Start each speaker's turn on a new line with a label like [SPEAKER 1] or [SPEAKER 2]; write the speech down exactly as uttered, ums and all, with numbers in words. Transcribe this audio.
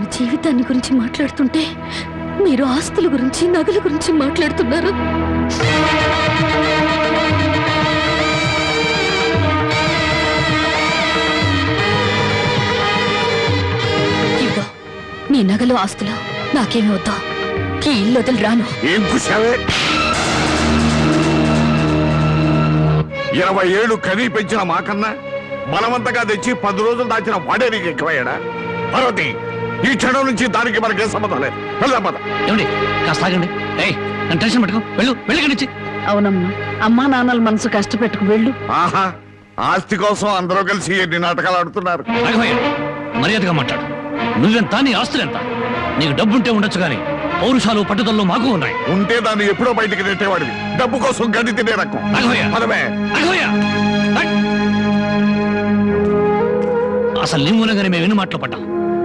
[SPEAKER 1] జీవితాన్ని గురించి మాట్లాడుతుంటే మీరు ఆస్తుల గురించి నగల గురించి మాట్లాడుతున్నారు. ఇదిగో నీ నగలు ఆస్తులు నాకేమి వద్దా. ఈ ఇల్లు వదిలి రాను.
[SPEAKER 2] ఏం కూసావే? ఇరవై ఏళ్ళు కనీ పెంచిన మాకన్నా బలవంతంగా తెచ్చి పది రోజులు దాచిన వాడే నీకు ఎక్కువయ్యాడా? పార్వతి, ఈ క్షణం నుంచి దానికి మనకే సంబంధం లేదు. వెళ్దాం పద.
[SPEAKER 3] ఏమండి కాస్త ఆగండి. ఏయ్ నన్ను టెన్షన్ పెట్టుకో. వెళ్ళు వెళ్ళి.
[SPEAKER 4] అవునమ్మా, అమ్మా నాన్నల మనసు కష్టపెట్టుకు వెళ్ళు.
[SPEAKER 2] ఆహా, ఆస్తి కోసం అందరూ కలిసి ఎన్ని నాటకాలు ఆడుతున్నారు.
[SPEAKER 3] మర్యాదగా మాట్లాడు. నువ్వెంత, నీ ఆస్తులెంత? నీకు డబ్బుంటే ఉండొచ్చు కానీ పౌరుషాలు పట్టుదలలో మాకు ఉన్నాయి.
[SPEAKER 2] ఉంటే దాన్ని ఎప్పుడో బయటికి నెట్టేవాడివి. డబ్బు కోసం గడ్డి తినే రకం. పదమే.
[SPEAKER 3] అసలు నీ మూలంగానే మేము ఎన్ని మాటలు పడ్డాం.